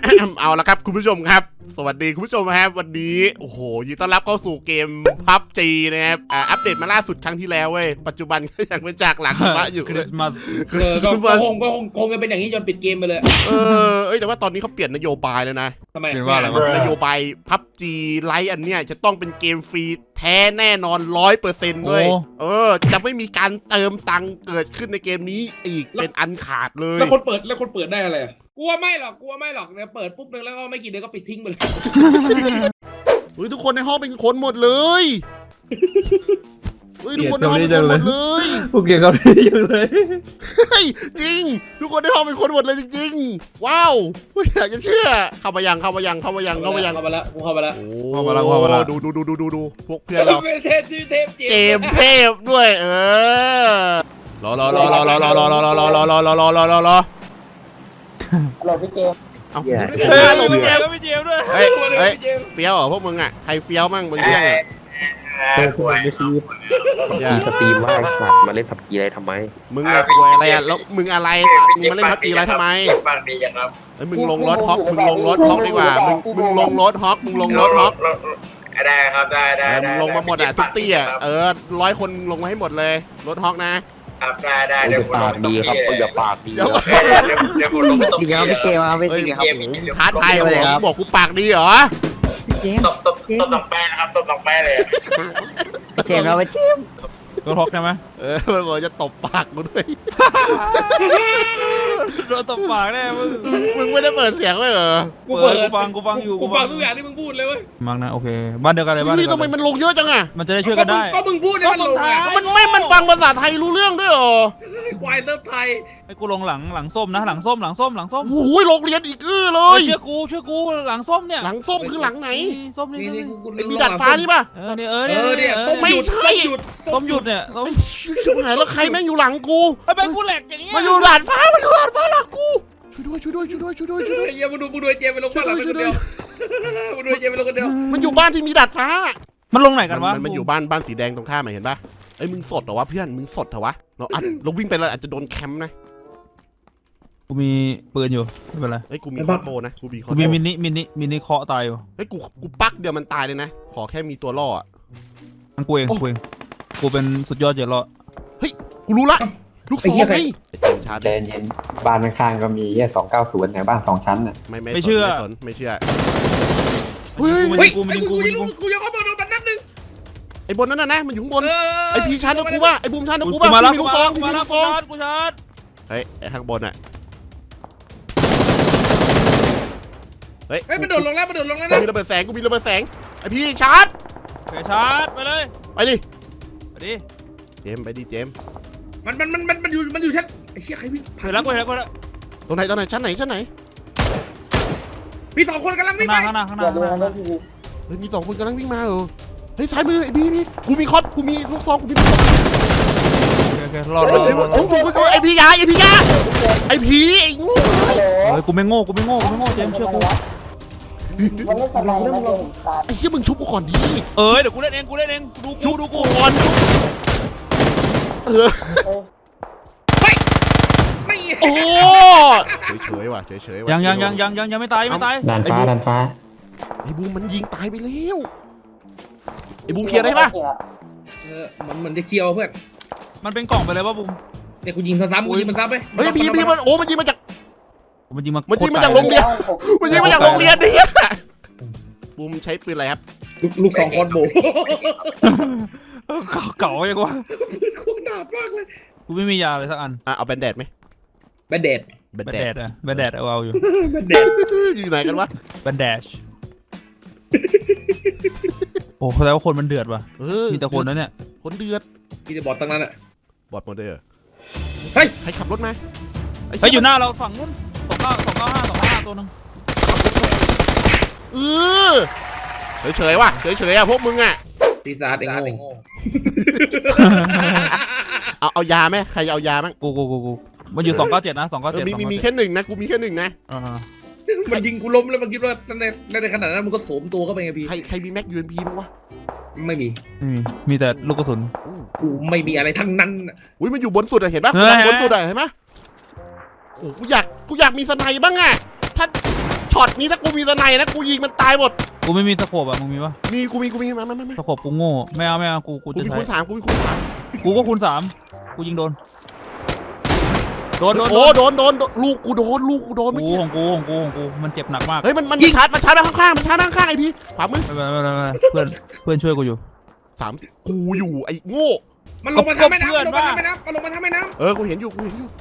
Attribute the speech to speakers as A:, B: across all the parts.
A: เอาละครับคุณผู้ชมครับสวัสดีคุณผู้ชมครับวันนี้โอ้โหยินดีต้อนรับเข้าสู่เกม PUBG นะครับอัปเดตมาล่าสุดครั้งที่แล้วเว้ยปัจจุบันก็ยังเป็นจากหลังหิมะอยู่
B: คริสต์มาส
C: คงจะเป็นอย่างนี้จนปิดเกมไปเลย
A: แต่ว่าตอนนี้เขาเปลี่ยนนโยบายแล้วนะ
C: ทำไม
B: เรียกว่าอะไรวะ
A: นโยบาย PUBG ไลท์อันเนี้ยจะต้องเป็นเกมฟรีแท้แน่นอน 100% ด้วยจะไม่มีการเติมตังค์เกิดขึ้นในเกมนี้อีกเป็นอันขาดเลย
C: แล้วคนเปิดได้อะไรกลัวไม่หรอกเนี่ยเปิดปุ๊บนึงแล้วก็ไม่กี่เดือนก็ปิดทิ้งไปเลย
A: เฮ้ยทุกคนในห้องเป็นคนหมดเลยเฮ้ยทุกคนในห้องเป็นคนหมดเลย
B: พวกเกี่ยวกับนี่เยอะเลย
A: เฮ้ยจริงทุกคนในห้องเป็นคนหมดเลยจริงๆว้าวไม่อยากจะเชื่อเข้ามายัง
C: เข้ามาแล้วกูเข้ามาแล้ว
A: โอ้ดูพวกเพื่อนเรา
C: เทพ
A: เกมเทพด้วยรอ
D: พี่เจม
A: เอา
B: หลบพี่เจมส์พี่เจมส์ด้วย
A: เฮ้ยเฟี้ยวเหรอพวกมึงอ่ะใครเฟี้ยวมั่งบนเรื่องอ่ะ
D: คุณไม่ซื้อพีสตรีมว่าสัตว์มาเล่นผับกีอะไรทำไม
A: มึงอะควยอะไรอ่ะแล้วมึงอะไรมึงมาเล่นพับจีอะไรทำไมฟังดีจังครับมึงลงรถฮอกดีกว่ามึงลงรถฮอก
E: ได้ครับได้
A: มึงลงมาหมดอ่ะทุกตี้อ่ะ100 คนลงมาให้หมดเลยรถฮอกนะครับ
E: ได้
D: อย่าปากดีครับอย่าปากดี
E: เดี๋ยวผมลง
D: จริงครับพี่เจมครับไม่จริงครับ
A: ท้าทายเลยครับบอกกูปากดีเหรอ
D: พี่เจม
E: ตบน้องแป้ครับตบน้องแป้เลย
D: พี่เจมครับพี่เจม
B: โดนฮอกใช่ไหม
A: มันบอกจะตบปากกูด้วย
B: โดนตบปากแน่มึง
A: ไม่ได้เปิดเสียงไว้เหรอ
B: กูฟังอยู่
C: กูฟังทุกอย่างที่มึงพูดเลยเว้ย
B: มั้งนะโอเคบ้านเดียวกันเลยบ้านเดี
A: นี่
B: ยวกั
A: ทำ
B: น
A: ไมมันลงเยอะจังอ่ะ
B: มันจะได้ช่วยกันได้
C: ก็มึงพูดให้มันลงไง
A: มันฟังภาษาไทยรู้เรื่องด้วยเหรอ
C: ควายเซิร์ฟไทย
B: ไอ้กูลงหลังส้มนะหลังส้ม
A: โอ้ยโรงเรียนอีกเลย
B: เชื่อกูหลังส้มเนี่ย
A: หลังส้มคือหลังไหน
B: ส้มนี่
A: มีดาดฟ้านี่ป่ะ
B: เนี่ย
A: ไม่ใช่
B: ส้มหยุดเนี่ย
A: ไอ้ชิบหายแล้วใครแม่งอยู่หลังกู
B: ไอ้เป็นกูแหลกอย่างเงี้ย
A: มาอยู่ดาดฟ้าหลังกูช่วยด้วย
C: ไอ้เหี้ยมึงดูเจมไปลงบ้านหลังคนเดียวมึงดูเจมไปลงคนเดียว
A: มันอยู่บ้านที่มีดาดฟ้า
B: มันลงไหนกันวะ
A: มันอยู่บ้านสีแดงตรงท่าไหมเห็นป่ะไอ้มึงสดเหรอวะเพื่อนมึงสดเหรอวะเราวิ่งไปเลยอาจจะโดนแคมป์นะ
B: กูมีปืนอยู่ไม่เป็นไร
A: เฮ้ยกูมีคอร์โบนะกูมีคอ
B: กู
A: ร์โบ
B: มีมินิเคาะตายอยู่
A: เฮ้ยกูปักเดียวมันตายเลยนะขอแค่มีตัวล่ออ่ะ
B: กูเองกูเป็นสุดยอดเจรอ
A: กูรู้ละลูกศรไงชาร์จ
D: ใจเย็นบ้านข้างๆก็มีแค่290แถวบ้าน2ชั้นน่ะ
A: ไม่เชื่อเฮ้ย
C: กูยังเข้ามาโดนมันนัดนึง
A: ไอ้บนนั้นนะมันอยู่ข้างบนไอ้พีชาร์จนะกูว่าไอ้บูมชาร์จนะกูว่า
B: มาแล้ว
A: มีลูกซอง
B: มาแล้วกูชาร์จ
A: เฮ้ยไอ้ข้างบนอ่ะ
C: เฮ้ยมันโดดลงแล้วนะ
A: กูมีระเบิดแสงไอ้พี่ชาร์จ
B: ชาร์จไปเลย
A: ไปดิ
B: ไปดิ
A: เจม
C: มันอยู่ชั้นไอ้เชี่ยใครวิ่ง
B: ไปแล้ว
A: ตรงไหนชั้นไหน
C: มี2 คนกำลังวิ่งไป
B: ข้างหน้า
A: เฮ้ยมี2 คนกำลังวิ่งมาเฮ้ยซ้ายมือไอ้บีนี่กูมีลูกซองกูมี
B: โอเครอ
A: ไอ้พี่ยาไอ้ผีไอ้งู
B: เฮ้ยกูไม่โง่เจมเชื่อกู
A: ไอ้เหี้ยมึงชุบกูก่อนดิ
B: เดี๋ยวกูเล่นเองดูกู
A: ก่อน
C: ไม่
A: โอ้เฉยว่ะ
B: ยังไม่ตาย
D: ด้านฟ้า
A: ไอ้บูมมันยิงตายไปแล้วไอ้บูมเคลียร์ได้ปะ
C: มันจะเคียวเพื่อน
B: มันเป็นกล่องไปเลยว่าบุ้ม
C: เนี่ยกูยิงซ้ำกูยิงมันซ้ำไป
A: เฮ้ยพี่มันยิงมาจาก
B: มันยิงมา
A: จากโรงเรียนดิบูมใช้ปืนอะไรครับ
C: ลูก2 คนโบ
B: เก่ายังวะ
C: โคตรหนามากเลย
B: กูไม่มียาเลยสักอัน
A: เอาแบนเดดไหม
C: แบนเดด
B: แบนแดดเอาอยู่
C: แบนเดด
A: อยู่ไหนกันวะ
B: แบนแดชโอ้แล้วคนมันเดือดว่ะมีแต่คนนั้นเนี่ย
A: คนเดือด
C: พี่จะบอดตั้งนั้นอ่ะ
A: บอดโมเดล
C: เฮ้ย
A: ใครขับรถมา
B: เฮ้ยอยู่หน้าเราฝั่งนู้น295ตัวนึง
A: เฉยว่ะพวกมึงอ่ะ
C: ปีศาจเองโง่
A: เอายาไหมใครเอายามั้ง
B: กูมันอยู่297นะ297
A: มีแค่1นะกูมีแค่1นะ
C: มันยิงกูล้มแล้วมันคิดว่าในขนาดนั้นมันก็โสมตัวเข้าไปไงพี่
A: ใครมีแม็กยูเอ็นพีมั้งวะ
C: ไม่มี
B: มีแต่ลูกกระสุน
C: กูไม่มีอะไรทั้งนั้น
A: อุ้ยมันอยู่บนสุดอะเห็นปะบนสุดอะเห็นปะโอ้กูอยากมีสไนบ้างอะถ้าช็อตอดนี่ถ้ากูมีสไนนะกูยิงมันตายหมด
B: กูไม่มีสโคปอ่ะมึงมีปะ
A: มีกูมีมา
B: สโคปกูโง่ไม่เอากู
A: กู
B: จะ
A: มี
B: ใช้
A: คูณ3กูมีคูณ3
B: กูก็คูณ3กูยิงโดนโดน
A: โดนลูกกูโดนเมื่อกี้
B: ของกูมันเจ็บหนักมาก
A: เฮ้ยมันชาร์จมาข้างๆมันชาร์จข้างๆไอ้พี่ขวามือ
B: ไม่เพื่อนช่วยกูอยู่
A: 3กูอยู่ไอ้โง่
C: มันลงมาทำแม่น้ำมันลงมาทำแม่น้ำมันลงมาทำแม่น้
A: กูเห็นอยู่
C: ำ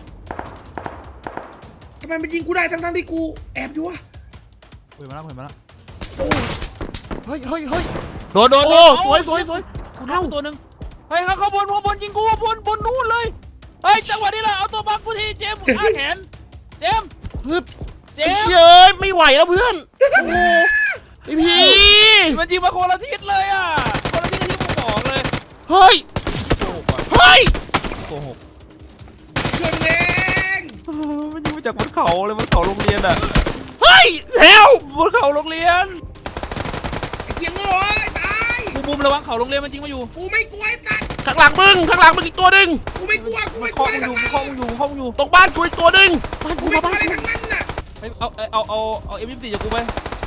C: ทำไมมันยิงกูได้ทั้งที่กูแอบอยู่วะ
B: เห็นมาแล้ว
A: เฮ้ย
B: โดน
A: โอ้สวย
B: กูเอาตัวนึงเฮ้ยข้างบนยิงกูบนนู่นเลยเฮ้ยจังหวะนี้แหละเอาตัวบังกูทีเจมส์อ้าแขนเจมส์
A: ฮึบ
B: เจ
A: ไอ้
B: มส์
A: เย้ยไม่ไหวแล้วเพื่อนโอ้ไอพี่
B: มันยิงมาคนละทิศเลยอ่ะคนละทิศที่กูบอกเลย
A: เฮ้ย
B: โกหก
C: เพื่อนเอง
B: มันยิงมาจากบนเขาเลยบนเขาโรงเรียนอ่ะ
A: เฮ้ยแล้ว
B: บนเขาโรงเรียน
C: ไอ้เกียงโง่เอ้ยตาย
B: กูบุมระวังเขาโรงเรียนมันยิงมาอยู่
C: กูไม่กลัวไอ้สัตว์
A: ข้างหลังมึงอีกตัวหนึ่ง
C: กูไม่กลัว
B: มัน
C: อะไร
B: เคาะ
C: ทั้งนั้น
B: มึงอยู่
A: ตรงบ้านกูอีกตัวหนึ่งบ้าน
C: กู
A: กู
C: ไม่
A: มาก
C: ลัว
A: บ้าน
C: อะไร
A: กู
C: ทั้งนั้นน่ะ
B: เอาM24จากกูไป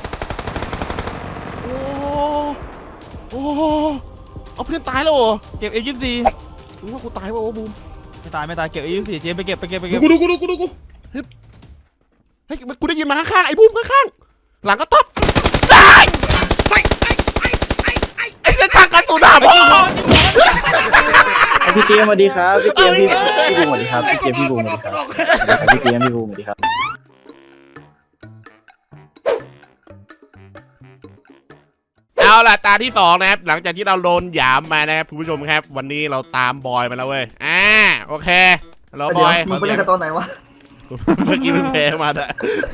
A: โอ้เอาเพื่อนตายแล้วเหรอ
B: เก็บ M24
A: รู้ว่ากูตายป่าวะบูม
B: ไม่ตายเก็บ M24 เจมไปเก็บ
C: กูดู
A: เฮ้ยกูได้ยินมาข้างๆไอ้บูมข้างๆหลังก็ต๊อบตาย
C: ไ
A: ไอ้
C: อ้
A: เส้นทางกระสุนหาพ่อ
D: พี่เกมสวัสดีครับพี่เกมพี่บูมสวัสดีครับพี่เกมพี่บูมสวัสดีครับพี่เกมพี่บูมสวัสดีครับ
A: เอาล่ะตาที่2นะครับหลังจากที่เราโดนหยามมานะครับคุณผู้ชมครับ วันนี้เราตามบอยมาแล้วเว้ยโอเคเราบอย
F: มึงไปเล่นกับตอนไหนวะ
A: เมื่อกี้เพิ่งแพ้มาอะ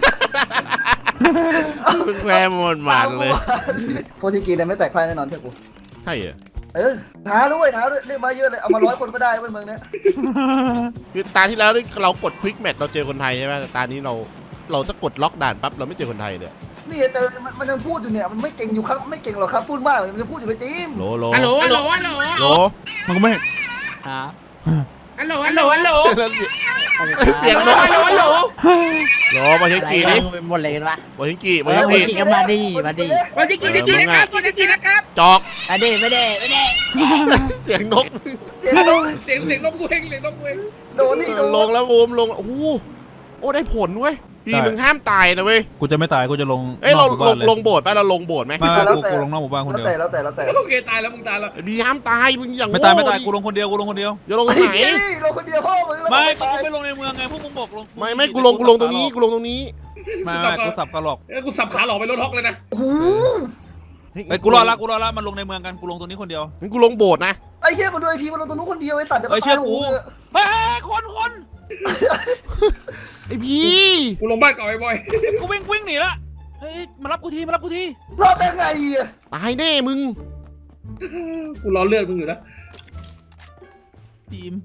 A: เพิ่งแพ้หมดมันเลย
F: โพธิกีเนี่ยไม่แตกพ่ายแน่นอนเพื่อนกู
A: ใช่เหรอ
F: ท้าด้วยเรียกมาเยอะเลยเอามา100 คนก็ได้เว้ยเมืองเนี้ย
A: คือตาที่แล้วเรากดควิกแมทเราเจอคนไทยใช่ไหมแต่ตานี้เราจะกดล็อกด่านปั๊บเราไม่เจอคนไทยเลย
F: นี่เจอมันยังพูดอยู่เนี่ยมันไม่เก่งอยู่ครับไม่เก่งหรอกครับพูดมากมันยังพูดอยู่ไปจีม
A: โหล
C: ฮัลโหล
B: มันก็ไม่หา
C: ฮัลโหล
A: เสียงนก
C: ฮัลโหล
A: โหลมาเช็คกี่ดิ
G: หมดเลยปะ
A: มาเช็คกี่
G: มาดีก็มาดี
C: วันที่กี่นะครับ
A: จอก
G: มาดีไม่ได้
A: เสียงนก
F: เสียงลง
C: เสียงนกกูเอง
F: โดนนี่โดน
A: ลงแล้วบูมลงโอ้โหได้ผลเว้ยพี่มึงห้ามตายนะเว้ย
B: กูจะไม่ตายกูจะลง
A: เรา
B: นอกหมู่บ้านเลย
A: ลงโบสถ์ป่ะเราลงโบสถ์ไหม
B: ไม่กูลงนอกหมู่บ้านคน
F: แล้ว
B: เดียว
F: แต่
C: โอเคตายแล้วมึงตายแล้ว
A: พี่ห้ามตายมึงอย่าง
B: ไม่ตายกูลงคนเดียว
A: อย่าลงตรงไหน
F: เราคนเดียวพ่อมึง
B: ไม่กูไม่ลงในเมืองไงพวกมึงบอกลง
A: ไม่กูลงตรงนี้
B: ไม่กูสับกระหลอก
C: กูสับขาหลอกไปรถฮอกเลยนะ
F: โอ้โห
B: ไอ้กูรอละมันลงในเมืองกันกูลงตรงนี้คนเดียว
A: งั้นกูลงโบสถ์นะ
F: ไอ้เชี่ยมาด้วยพีมันลงตรงนู้นคนเดียวไอ้สัตว์เดี๋ยว
B: เฮ้ยเชื่อกู เฮ้ยคน
A: ไอพี่
C: กูลงบ้านเก่าไอ้บอย
B: กูวิ่งหนีละเฮ้ยมารับกูที
F: รอดได้ไงอ่ะ
A: ตายแน่มึง
C: กูรอเลือดมึงอยู่นะ
B: ทีม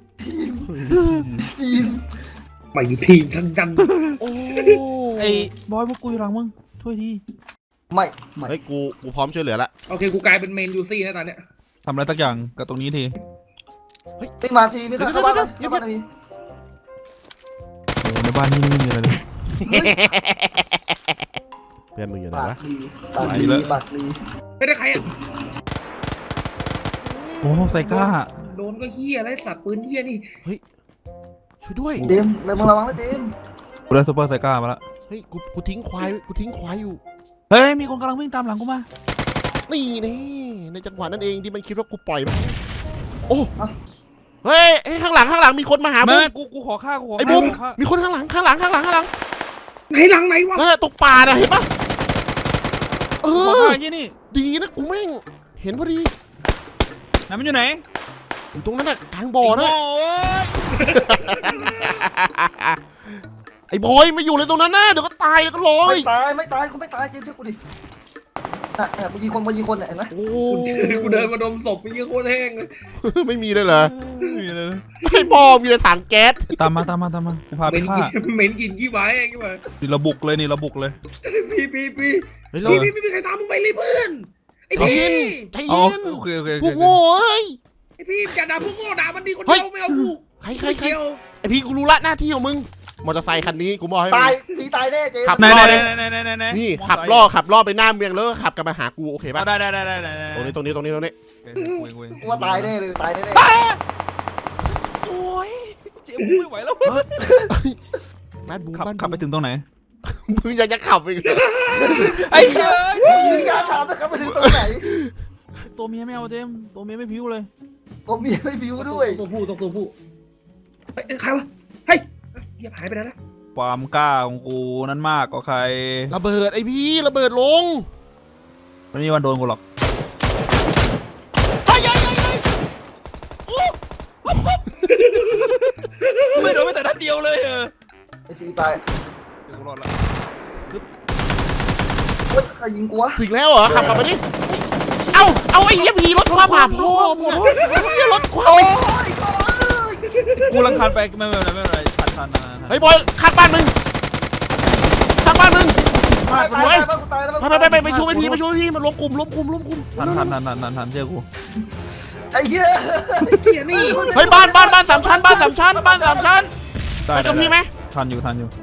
C: ไม่ทีมทั้งกัน
A: โอ้
B: ไอ้บอยพวกกูอยู่หลังมึงช่วยที
F: ไม่
A: เฮ้ยกูพร้อมช่วยเหลือละ
C: โอเคกูกลายเป็นเมนยูซี่นะตอนเนี้ย
B: ทำอะไรสักอย่างกับตรงนี้ที
F: ไม่มาพีไม่เข้าบ้านพี
B: โอ้ในบ้านนี่ไม่มีอะไรเลย
A: เพื่อนมึงอยู่ไหน
F: ปาก
A: วะ
F: ดีปากดี
C: ไม่ได้ใครอ่ะ
B: โอ้ไซก้า
C: โดนก็เฮียอะไรสัตว์ปืนเฮียนี่
A: ช่วยด้วย
F: เดมเลยมึงระวังนะเดม
B: กูได้ซูเปอร์ไซก้ามาละ
A: เฮ้ยกูทิ้งควายอยู่
B: เฮ้ยมีคนกำลังวิ่งตามหลังกูมา
A: นี่ในจังหวะนั้นเองที่มันคิดว่ากูปล่อยมันโอ้เฮ้ยข้างหลังมีคนมาหา
B: ไม่
A: บูม
B: กูขอฆ่า
A: ไอ้บูมมีคนข้างหลัง
C: ไหนหลังไหนวะ
A: นั่นแหละตกป่าน่ะเห็นปะเอ
B: ขอ
A: อ
B: ฆ่าที่นี่
A: ดีนะกูแม่งเห็นพอดี
B: ไหนมันอยู่ไหน
A: อยู่ตรงนั้นน่ะกลางบ่อนะ
B: โอ้ย
A: ไอ้บอยไม่อยู่เลยตรงนั้นนะเดี๋ยวก็ตายแล้วก็ลอย
F: ไม่ตายกูไม่ตายเจมช่วยกูดิกูยิงคนเนี่ยเห็นไหม
A: โอ้
C: กูเดินมาดมศพไปยี่โคตรแห้งเลย
A: ไม่มีเลยเหรอ
B: ไม่มีเลย
A: ไอ้บอมีแต่ถังแก๊ส
B: ตามมากูพา
C: เห
B: ไป
C: ม็น
B: ฆ่า
C: กินเหม็นกินยี่ไว้เองกี่วะ
B: นี่ระบุกเลย
C: พี่
A: เฮ้ยเรา
C: ใครตามมึงไปเลยเพื่อนไอพี่
A: ใจ
B: อ๋อ
A: เย็น
B: โอเค
A: พวกโง่เอ้ย
C: ไอพี่อย่าด่าพวกโง่ด่ามันดีคนเดียวไม่เอากู
A: ใครไอพี่กูรู้ละหน้าที่ของมึงมอเตอร์ไซค์คันนี้กูบอกให้
F: ตายตีตายแน่เจม
A: ขับ
B: ไหน
A: รอ
B: ไหน
A: เลย
B: ไหน
A: นี่ขับล่อไปหน้าเมืองแล้วก็ขับกลับมาหากูโอเคป่ะ
B: ได้
A: ตรงนี้
F: กูว่าตายแน่เลยตายแน่
B: โอ้ยเจ๊ไม่ไหวแล้ว
A: บ้านบูม
B: ขับไปถึงตรงไหน
A: มึงยังจะขับอีกเหรอ
B: ไอ้เหี้ย
F: ๆมีการถามนะครับไปถึงตรงไหน
B: ตัวเมียไม่เอาเจมตัวเมียไม่พิ้วเลย
F: ผมมีไม่บิวด้วย
C: ตัวผู้เฮ้ยใครวะเฮ้ยเหี้ยหายไปแล้วนะ
B: ความกล้าของกูนั้นมากกว่าใคร
A: ระเบิดไอพี่ระเบิดลง
B: ไม่มีวันโดนกูหรอกไม่โดนไม่แต่นัดเดียวเลย
F: ไอ้ปีตาย
B: เดี๋ยวกูรอดละ
F: โอ๊ยใครยิงกูวะ
A: ถึงแล้วเหรอขับกลับมาดิเอาไอ้เหี้ยพีรถความผ่าพ่อมึงรถความ
F: โอ้ย
B: กูรังคันไปไม่เป็นไรทัน
A: เฮ้ยบอยข้างบ้านมึงตาย
F: ตายแล้วกูตายแล้ว
A: ไปช่วยพี่มันล้มกลุ่ม
B: ทันเจอกู
F: ไอ้เหี้ย
C: เหี้ยนี่
A: เฮ้ยบ้านสามชั้นไปกับพี่ไหม
B: ทันอยู่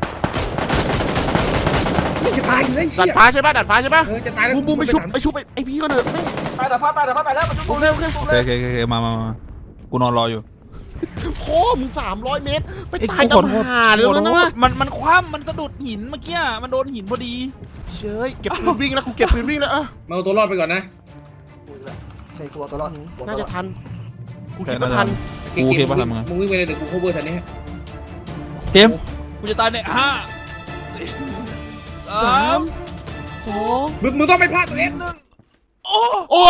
C: ไม่จะตายอยู่เลย
A: ดัดฟ้าใช่ป่ะ
C: จะตายแล้ว
A: บูมไปชุบไอพี่ก็เถอะ
F: ตายแต่ฟ้าตายแล้วมันชุบ
A: โอเค
B: มากูนอนรออยู่
A: โค้ม300 เมตรไปตายกับหาเลยนะวะ
B: มันคว่ำมันสะดุดหินเมื่อกี้มันโดนหินพอดี
A: เชยเก็บปืนวิ่งแล้วกูเก็บปืนวิ่งแล้ว
C: มาเอาตัวรอดไปก่อนนะ
F: ใช่ตัวรอด
A: น่าจะทันกูคิดว่าทัน
B: กูคิดว่าทำไง
C: มึงวิ่งไปเลยเดี๋ยวกู cover ทันนี้
B: เต็มกูจะตายใน5
A: 3 2
C: มึงต้องไม่พลาดตัวเอง
B: โอ้
A: โอ้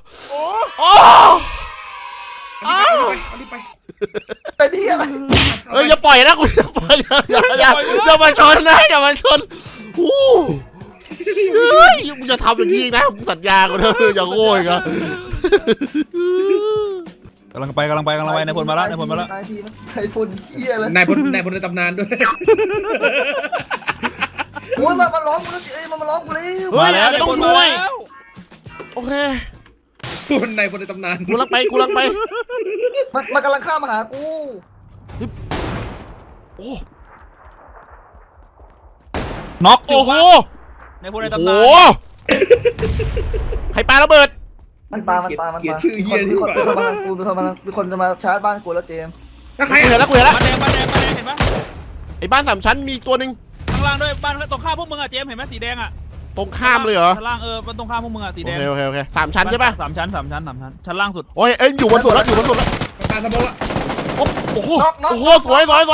C: เอาดิไป
F: เป็นที่อะไร
A: เอ้ยอย่าปล่อยนะกูอย่าปล่อยอย่ามาชนนะอย่ามาชนเฮ้ยมึงจะทำอย่างนี้นะมึงสัญญากูเถอะอย่าโง่อีกอ่ะ
B: กำลังไปนายพลมาแล้ว
F: นายพลเหี้ยเลย
C: นายพลในตำนานด้วย
F: โอ้ยมาร้องกูแล้วเอ้ยมาร้องกูเลย
A: เฮ้ยอาจจะต้องช่วยโอเค
C: นายพลในตำนาน
A: กูลังไป
F: มันกำลังข้ามมาหากู
A: โอ้
B: น็อก
A: โอ้โห
B: นายพลใน
A: โอ้
B: ตำ
A: โห
B: นาน
A: ใครปาระเบิด
F: มันปามีคนจะมาชาร์จบ้านกูแล้วเจม
C: แล้วใคร
A: กูเห็นแล้ว
B: บ้านแดงเห็นไหม
A: ไอ้บ้าน3 ชั้นมีอีกตัวหนึ่ง
B: ข้างล่างด้วยบ้านตรงข้ามพวกมึงอะเจมเห็นไหมสีแดงอะ
A: ตรงข้ามเลยเหรอ
B: ชั้นล่างมันตรงข้ามพวกมึงอะสีแดง
A: โอเค3 ชั้นใช่ป่ะ
B: 3 ชั้นชั้นล่างสุด
A: โอ้ยเอ้ยอยู่บนสุดแล้ว
C: ตาสมองละ
A: โอ้โหสวยโอ้โห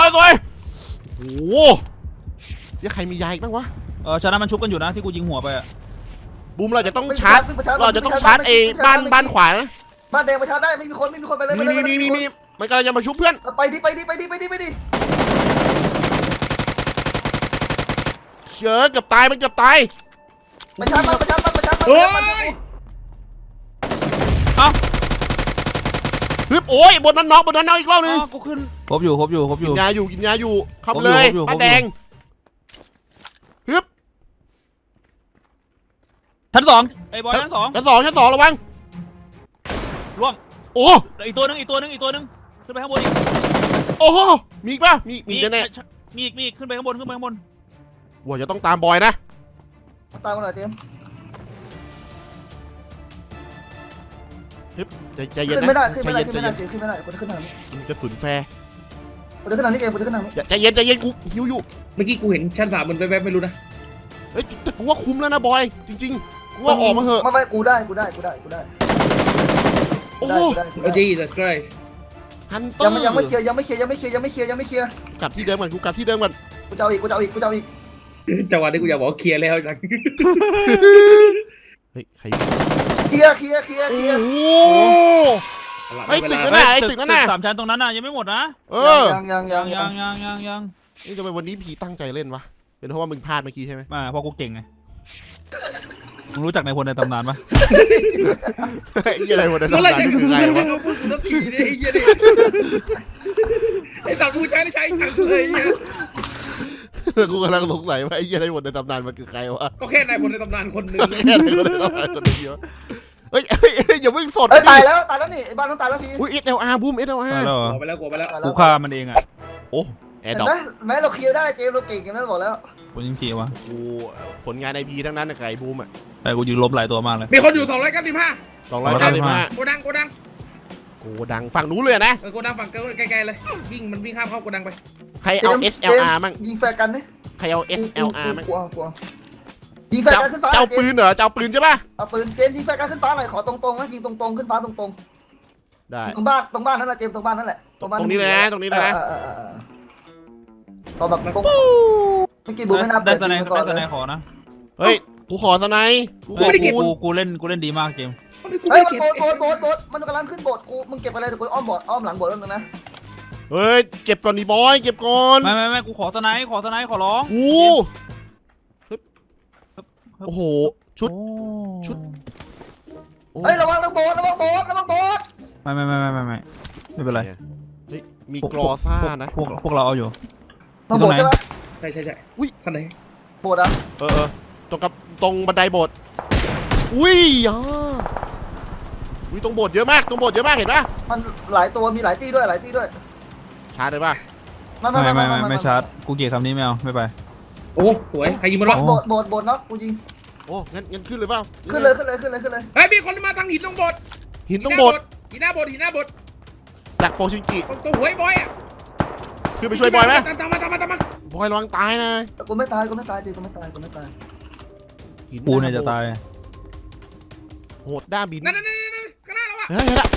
A: ยังใครมียาอีกบ้างวะ
B: ชั้นนั้นมันชุบกันอยู่นะที่กูยิงหัวไปอะ
A: บูมเราจะต้องชาร์จไอ้บ้านขวานะ
F: บ้านแดงมาชาร์จได้ไม่มีคนไปเลย
A: มีมันกำลังจะมาชุบเพื่อน
F: ไปดิ
A: เชื่อเกือบตายมันเกือบตาย
F: มาชาร์จ
C: โอ้ย
A: ฮึบโอ้ยบนนั้นน็อกอีกรอบนึง
B: กูขึ้นครบอยู่
A: กินยาอยู่เข้าไปเลยบ้านแดงฮึบ
B: ชั้น2ไอ้บอยชั้น
A: ชั้นสองระวัง
B: 2ล่วง
A: โอ้
B: อีกตัวนึงขึ้นไปข้างบนอีก
A: โอ้โหมีอีกป่ะมีแน่ๆ
B: มีอีกขึ้นไปข้างบน
A: ว่าจะต้องตามบอยนะ
F: ตามมาหน่อยเจม
A: ใจเย็น
F: ขึ้น
A: นะ
F: ไม่ได้
A: ขึ้นทางนี้
F: คนขึ้นทางนี้
A: กระสุนแฟร์
F: คนขึ้นทางนี้เกมคนขึ้นทางนี้
A: ใจเย็นกูหิวอยู่
C: เมื่อกี้กูเห็นชั้น3มันแวบๆไม่รู้นะ
A: เฮ้ยแต่กูว่าคุ้มแล้วนะบอยจริงๆกูว่าออกมาเหอะ
F: ไม่กูได้
A: โอ้
C: โอ้ยJesus Christ
A: ฮันเตอร์
F: ยังไม่เคลียร์
A: กลับที่เดิมก่อนกู
F: จะเอาอีก
C: จังหวะนี้กูอยากบอกเคลียร์แล้วจัง
A: เฮ้ยใคร
F: เคลียร์
A: โอ้โห ไอ้ตึกนั่นน่ะ ตึกนั่นน่ะ
B: 3 ชั้นตรงนั้นน่ะยังไม่หมดนะ
F: ยัง
A: นี่ทำไมวันนี้ผีตั้งใจเล่นวะเป็นเพราะว่ามึงพลาดเมื่อกี้ใช่ไหม
B: เพราะกูเก่งไงมึงรู้จักนายพลในตำนานปะ
A: ไอ้อะไรวะเนี่ยตำนานนี่คือไงวะ
C: พูดสักทีดิไอ้เหี้ยนี่ไอ้สัตว์ผู้ชายใช้ฉันเลย
A: กูกำลังสงสัยว่าไอ้อะไรวะในตำนานมันคือใครวะ
C: ก็แค่นายพลในตำนานคนหนึ่ง
A: แค่ไหนคนในตำนานคนเดียวเฮ้ยอย่าเพิ่งสด
F: ตายแล้วนี่บ้านต้องตายแล้วพี่
A: อุ้ยSLRบูม SLR
B: ตายแล้วเหรอ
C: กลัวไปแล้ว
B: กูฆ่ามันเองอ่ะ
A: โอ้แอ
F: เห็
A: ร์
F: น
A: ดรอป
F: ไหมแม้เราเคลียร์ได้เจมเราเก่งกันแล้วบอกแล้ว
B: กูยิงทีวะ
A: กูผลงานไอพีทั้งนั้นนะไก่บูมอ่ะ
B: แต่กูยิงลบหลายตัวมากเลย
C: มีคนอยู่295
A: 295
C: โกดัง
A: โกดังฝั่งนู้นเลยนะ
C: โกดังฝั่งใกล้ๆเลยมันวิ่งข้ามเข้าโกดังไป
A: ใครเอา SLR มั่ง
F: ยิงแฟร์กันนี่
A: ใครเอา SLR มั่ง
F: กลัวยิงแฟร์กันขึ้นฟ้า
A: เจ้าปืนเหรอเจ้าปืนใช่ป่ะ
F: เอาปืนเจมยิงแฟร์กันขึ้นฟ้าหน่อยขอตรงๆนะยิงตรงๆขึ้นฟ้าตรง
A: ได้
F: ๆตรงบ้านนั่นแหละเจมตรงบ้านนั่นแหละ
A: ตรงนี้เลยนะตรงนี้เลยนะ
F: ตอนแบบตรงเมื่อกี้บูไม่นับ
B: ได้สไน
F: ก่อน
B: ได้ส
F: เล
B: ไน
F: ย
B: ขอนะ
A: เฮ้ยกูขอสไนกู
B: เฮ้ย
A: คูณ
B: กูเล่นดีมากเกม
F: เฮ้ยมันโบดมันกำลังขึ้นโบดกูมึงเก็บอะไรเดี๋ยวกูอ้อมหลังโบดแล้วนึงนะ
A: เฮ้ยเก็บก่อนดิบอยเก็บก่อน
B: ไม่กูขอสไนขอร้อง
A: กูโอ้โหชุด โอ้
F: เฮ้ยระวังโบด
B: ไม่เป็นไร
A: เฮ้ยมีกรอซ่านะ
B: พวกเราเอาอยู่
F: ต้องโบดใช่ไหม
C: ใช่
A: อุ้ย
C: ข้างไหน
F: โบดอ่ะ
A: ตรงบันไดโบสถ์อุ้ยอุ้ยตรงโบสถ์เยอะมากเห็นป่ะ
F: มันหลายตัวมีหลายตีด้วย
A: ชาร์จเลยป่ะ
B: ไม่ชาร์จกูเกลียดคำนี้ไม่เอาไม่ไป
C: โอ้สวยใครยิงมันวะ
F: โบดเนาะกูยิง
A: โอ้งั้นขึ้นเลยเปล่า
F: ขึ้นเลย
C: เฮ้ยมีคนมาทางหินตรงโบสถ์
A: หินตรงโบสถ์
C: หินหน้าโบสถ์
A: จากโปชินกิ
C: ตรงหัวไอ้บอยอ่ะ
A: คือไปช่วยบอยไหม
C: ตามมา
A: บอยระวังตายนะ
F: กูไม่ตายจริงกูไม่ตาย
A: หิ
B: กูเนี่ยจะตาย
A: โหดด้าบิน
C: นั่นข้างหน้าเราอ่ะ
A: เฮ้ยละ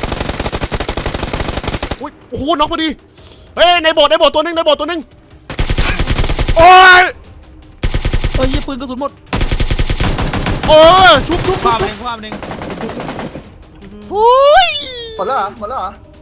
A: อุ้ยโอ้โหน็อกพอดีเฮ้ยในโบสถ์ตัวนึงโอ้ย
B: เฮ้ยปืนกระสุนหมด
A: ชุบ
B: คว้ามันเอง
A: โอ้ย
F: หมดแล้วเหรอหมดแล้ว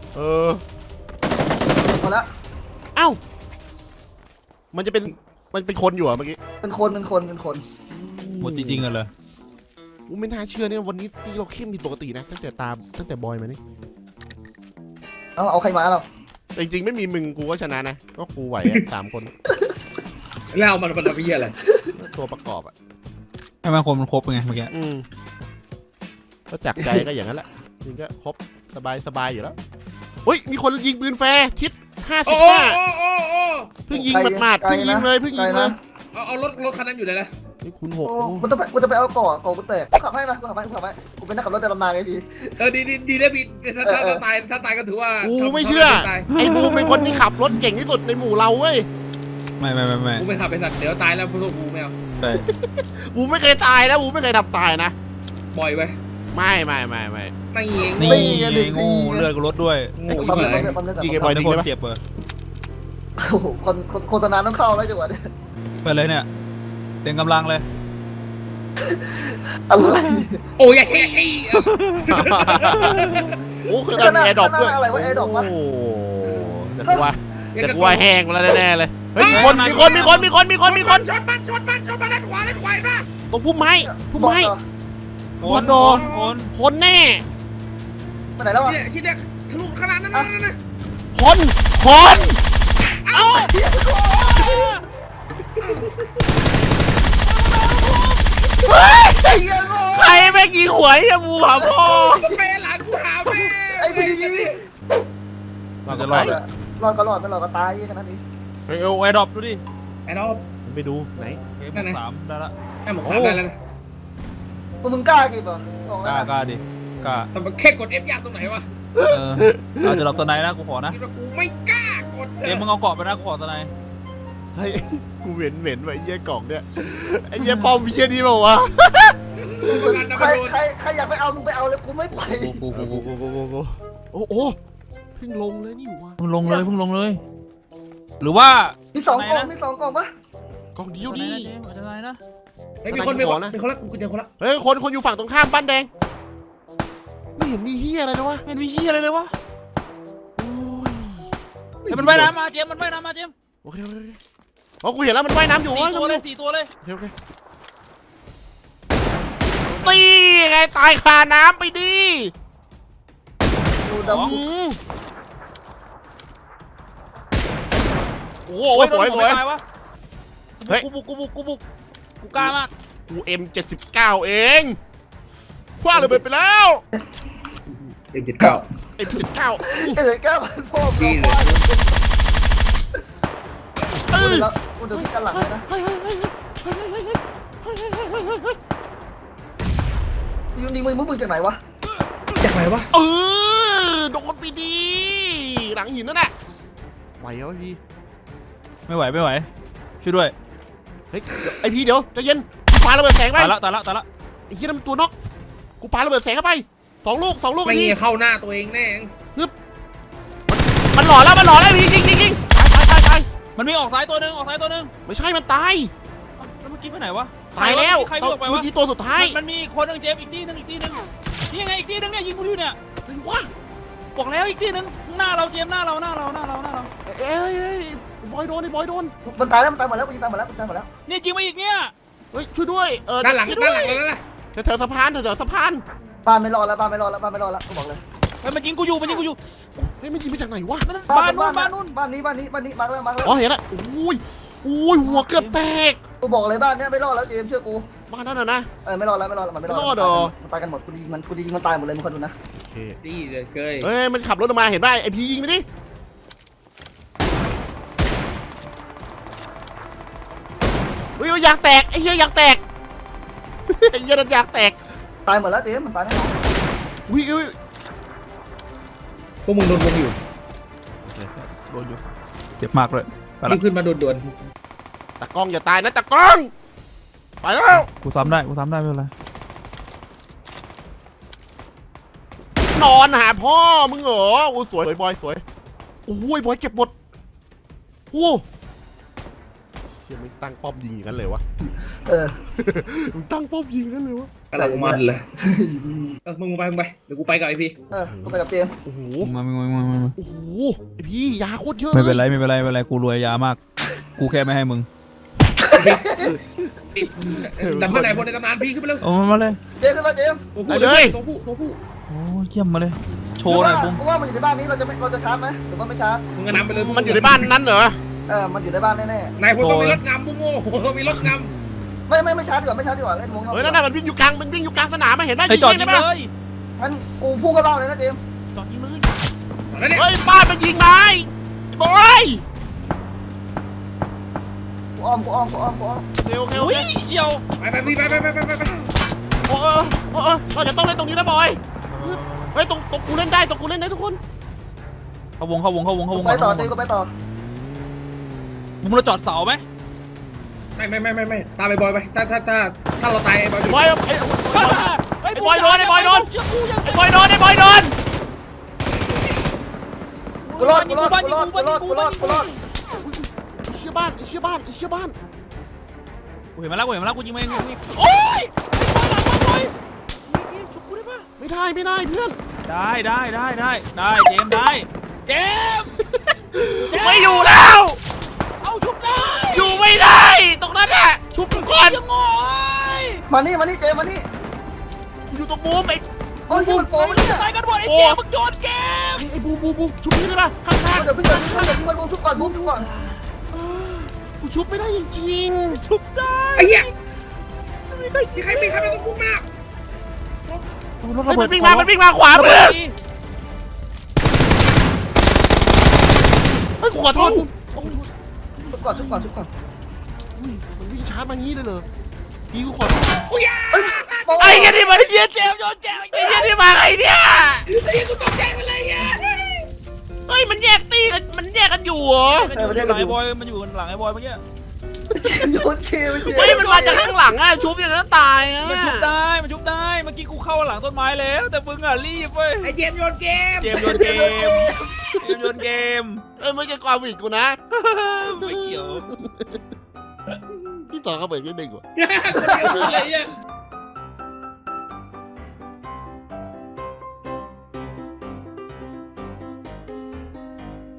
A: เอ้ามันเป็นคนอยู่อ่ะเมื่อกี้
F: เป็นคน
B: หมดจริงๆกันเลย
A: กูไม่น่าเชื่อเนี่ยวันนี้ตีเราเข้มผิดปกตินะตั้งแต่บอยมานี่
F: เอาใครมาเรา
A: แต่จริงๆไม่มีมึงกูก็ชนะนะก็กูไหวอะ 3 คน
C: แล้วมันเป็นเหี้ยอะไร
A: ตัวประกอบอ่ะ
B: ให้มันคนมันครบไงเมื่อกี้
A: ก็จากใจก็อย่างนั้นแหละจริงก็ครบสบายอยู่แล้วเฮ้ยมีคนยิงปืนแฟร์ทิศ
C: โอ้
A: 55เพิ่งยิงหมาดๆเพิ่งยิงเลย
C: เอารถคันนั้นอยู่เลยนะ
A: นี่คุณ
F: กูจะไปเอาก่อกูแตกกูขับให้กูเป็นนักขับรถแต่ลำนานไงพี่
C: ดีแล้วพี่ถ้าตายก็ถือว่า
A: กูไม่เชื่อไอ้บูมเป็นคนที่ขับรถเก่งที่สุดในหมู่เราเว้ย
B: ไม่
C: กูไม่ขับไปสัตว์เดี๋ยวตายแล้วพวกกูไม่เอา
B: ใช่
A: บูมไม่เคยตายนะบูมไม่เคยทำตายนะ
C: บ่อยไว้
A: ไม่
C: ไม่เอง
B: นี่งูเลือดกูลดด้วย
A: ยิงไอ้บอย
B: ทุ
A: ทิ้
B: ก
A: ง
B: คน
A: ได้ปะ
B: เจ็บเลย
F: โอ้โหโฆษณาต้องเข้าแล้วจังหวะนี้
B: ไปเลยเนี่ยเต็มกำลังเลย
F: อะไร
C: โอ้ยอย่าใช่
A: โอ้คือทำแอร์ดรอปด้วยโอ้แต่กูว่าแห้งแล้วแน่เลยเฮ้ยมีคนช็อตมันด้านขวานะตรงพุ่มไม้ คนแน่
F: ไปไหนแล้วอ่ะ
C: ชิ้นเดียวทะลุขนาดนั้นนะ
A: คนเอ้าใครแม่งยิงหวยอะบูหาพ่อ
C: แม่หลานกูหาแม่
F: ไอ้พี่
A: เราจะรอด
F: รอดก็รอดไม่รอดก็ตายแค่นั้นเอง
B: เฮ้ยเอาไอ้ดรอปดูดิ
C: ไอ้น้อง
A: ไปดูไหน
B: เกม3ได้ละ
C: ไอ้หมกสามได้แล้วนะ
F: มึงกล้ากี่ป่ะ
B: กล้าดิกล้า
C: แต่มันแค่กด F ยากตรงไหนวะ
B: เราจะหลับตัวไหนนะกูขอนะ
C: คิดว่ากูไม่กล้ากด
B: เกมมึงเอาเกาะไปนะกูขอตัวไหน
A: เฮ้ยกูเหม็นไว้เยี่ยกล่องเนี่ยไอ้เยี่ยปอมมีแค่นี้เปล่าวะ
F: ใครอยากไปเอามึงไปเอาเลยกูไม่ไป
A: โอ้โหเพิ่งลงเลยนี่วะ
B: เพิ่งลงเลย หรือว่า
F: มี2 กล่องปะ
A: กล่องเดียวดิ
B: จะไหนนะ
C: เฮ้ยมีคนละกูเจอคนละ
A: เฮ้ยคนอยู่ฝั่งตรงข้ามบ้านแดงไม่เห็นมีเฮียอะไรนะวะ
B: ไม่มีชี้อะไรเลยวะ
A: โอ้ย
B: เฮ้ยมันว่ายน้ำมาเจมมันว่ายน้ำมาเจม
A: โอเคอ๋อกูเห็นแล้วมันว่ายน้ำอยู่
B: 4 ตัวเลย
A: โอเคตีไงตายคาน้ำไปดิ
F: ดูด
A: โอ้โหสวยเฮ้ย
B: กูบุกกูกล้ามาก
A: กู M79 เองคว้าเลยไปแล้ว
C: M79
A: M79
F: เอ้ยกล้ามันพ่อ
C: ดีเลย
F: แล้วกูเดินกันหลังเลยนะยูนิมึงจากไหนวะ
C: จากไหนวะ
A: เออโดนไปดีหลังหินนั่นแหละไหวเหรอพี่
B: ไม่ไหวช่วยด้วย
A: เฮ้ยไอพี่เดี๋ยวใจเย็นกูปาระเบิดแสงไป
B: ตายละ
A: ไอ้เหี้ยนั่นมันตัวนกกูปาระเบิดแสงเข้าไปสองลูก
C: ไม่
A: พี่
C: เข้าหน้าตัวเองแน่
A: มันหล่อแล้วยิงตาย
B: มันมีออกซ้ายตัวหนึ่ง
A: ไม่ใช่มันตาย
B: แล้วเมื่อกี้ไปไหนวะ
A: ตายแล้ว
B: ใครบอกไป
A: เมื่
B: วะ
A: อกี้ตัวสุดท้าย
B: มันมีคนหนึ่งเจมส์อีกที่หนึ่งนี่ไงอีกที่หนึ่งเนี่ยยิงกูอยู่เนี่ย
A: เฮ้ยว้า
B: บอกแล้วอีกที่หนึ่งหน้าเราเจมส์หน้าเรา
A: เอ้ยบอยโดน
F: มันตายแล้วมันตายหมดแล้วกูยิงตายหมดแล้ว
B: เนี่ยยิงมาอีกเนี่ย
A: เฮ้ยช่วยด้วย
C: ด้านหลังแล้วนั่นแหละ
A: แถวสะพาน
F: บ้านไม่รอดแล้วกูบอกเลย
B: เฮ้ยมันยิงกูอยู่
A: เฮ้ยมันยิงมาจากไหนวะ
B: บ้านนู้น
F: บ้านนี้มาแล้ว
A: อ๋อเห็นแล้วอุ้ยหัวเกือบแตก
F: กูบอกเลยบ้านเนี้ยไม่รอดแล้วเจมเชื่อกู
A: บ้านนั่นนะ
F: ไม่รอดแล้วมันไม่รอด
A: ไม่รอดเหรอ
F: มันตายกันหมดกูยิงมันตายหมดเลยมึงคนดูนะ
A: โอเค
C: ดีเลยเกย
A: เฮ้ยมันขับรถออกมาเห็นป่ะไอพียิงไปดิเฮ้ยยางแตกไอ้เหี้ยยางแตกไอ้เหี้ยนั่นยางแตก
F: ตายหมดแล้วเจมมันตายแน่นอน
A: อุ้ย
C: พวกมึงโดนวงอยู่
B: โดนอยู่เจ็บมากเลยไป
C: รี
B: ละ
C: บขึ้นมาด่วน
A: ตะกล้องอย่าตายนะตะกล้องไปแล้ว
B: กูซ้ำได้ไม่เป็นไร
A: นอนหาพ่อมึงเหรอโอ้สวยบอยสวยโอ้ยบอยเก็บหมดโอ้เฮียมึงตั้งป้อมยิงอย่างนั้นเลยวะ มึงตั้งป้อมยิงอย่างนั้นเลยวะ
C: ๆกำลังมันเลยมึงไปเดี๋ยวกูไปกับไอพี่
F: กูไปกับเจม
A: โอ้โห
B: มา
A: โอ้โหไอพี่ยาโคตรเยอะ
B: ไม่เป็น
A: เลย
B: ไรกูรวยยามาก กูแค่ไม่ให้มึง
C: ดำเนินไหนบนในตำนานพี่ขึ้นไปเลย
B: เอามาเลย
F: เจมขึ้นมาเจม
C: ตัวผู้
B: โอ้เยี่ยมมาเลยโชว์หน่อยบุ้ง
F: กูว่ามันอยู่ในบ้านนี้เราจะชาร์จไหมหรือว่าไม่ชาร์จ
C: มึงก็นำไปเลย
A: มันอยู่ในบ้านนั้นเหรอ
F: มันอยู่ในบ้านแน่
C: นายพลต้องมีรถงำบุ้งโง่มีรถง
F: ๆไม่ชาร์จดีกว่าเล่นวงนอก
A: เฮ้ยนั่นน่ะมันวิ่งอยู่กลางสนามมาเห็นไหม
B: ไอ้จอดยิ
A: ได้
B: ง
A: ปะ
B: เลย
F: งั้นกูพุ่งเข้าบ้านเลยนะเจม
B: จอดยิงเลย
C: ำแล้วเนี่ย
A: เฮ้ยบ้านมันยิงไม้บอย
F: กูอ้อม
A: โอเค
B: อุ้ยเชียว
C: ไปพี่ไป
A: โอ้เราจะต้องเล่นตรงนี้นะบอยเฮ้ยตรงกูเล่นได้ทุกคน
B: เข้าวง
F: ไปต่อเจมก็ไปต่อ
B: มึงเราจอดเสาไหม
C: ไม่ตามไปบอยไปถ้าเราตายบอย
A: บอยไอ้บอยโดนไอ้บอยโดน
F: กูรอด
A: เชี่ยบ้าน
B: กูเห็นมาแล้วกูยิงมาเองโอ้ยไอ้บอยชุบกูได้ปะ
A: ไม่ได้เพื่อน
B: ได้เจมส์ได้เจมส์
A: ไม่อยู่แล้ว
B: เอาชุบได้
A: อยู่ไม่ได้ตรงนั้นแหละชุบก่อน
B: ยังโง่
F: มานี่เจมมานี่
A: อยู่ตรงบูมไอ้
F: โอ้ยมันโป้มันเนี่ย
B: ตายกันหมดไอ้เจมส์มึงโยนเกม
A: ไอ้บูมชุบนี่ได้ปะข้าง
F: เดี๋ยวพี่เดี๋ยวยิงมันบูมทุกก่อน
A: กูชุบไม่ได้จริง
B: ชุบได้
C: ไอ้เหี้ยมีใครมาต้องพุ่งมา
A: มันวิ่งมาขวามือเฮ้ยขอโทษ
F: ทุกก่อน
A: มันวิ่งช้ามางี้เลยเหรอพี่กูขอโทษ
F: ไอ้
A: ไอ้ยันนี่มา
B: เหี้ยเจมส์โยนแกม
A: ไอ้ยันนี่มาไอ้เนี่ย
C: ไอ้กูตกใจไปเลยอ่ะ
A: เฮ้ยมันแยกตีกันมันแยกกันอยู่เหรอ
B: ไอ้บอยมันอยู่หลังไอ้บอยเมื่อกี้
F: โยนเคไปเจ
A: เฮ้ยมันมาจากข้างหลังอะชุบอย่างนั้นตายอะ
B: มันชุบได้เมื่อกี้กูเข้าหลังต้นไม้แล้วแต่มึงอ่ะรีบเว้ย
C: ไอ้เจมโยนเกม
B: เจมส์โยนเกม
A: ไม่ใช่ความผิดกูนะ
B: ไม่เกี่ยว
A: พี่ต่อเขาเปิดแค่หนึ่งว่ะ
C: คนเดียวเลยอ่ะ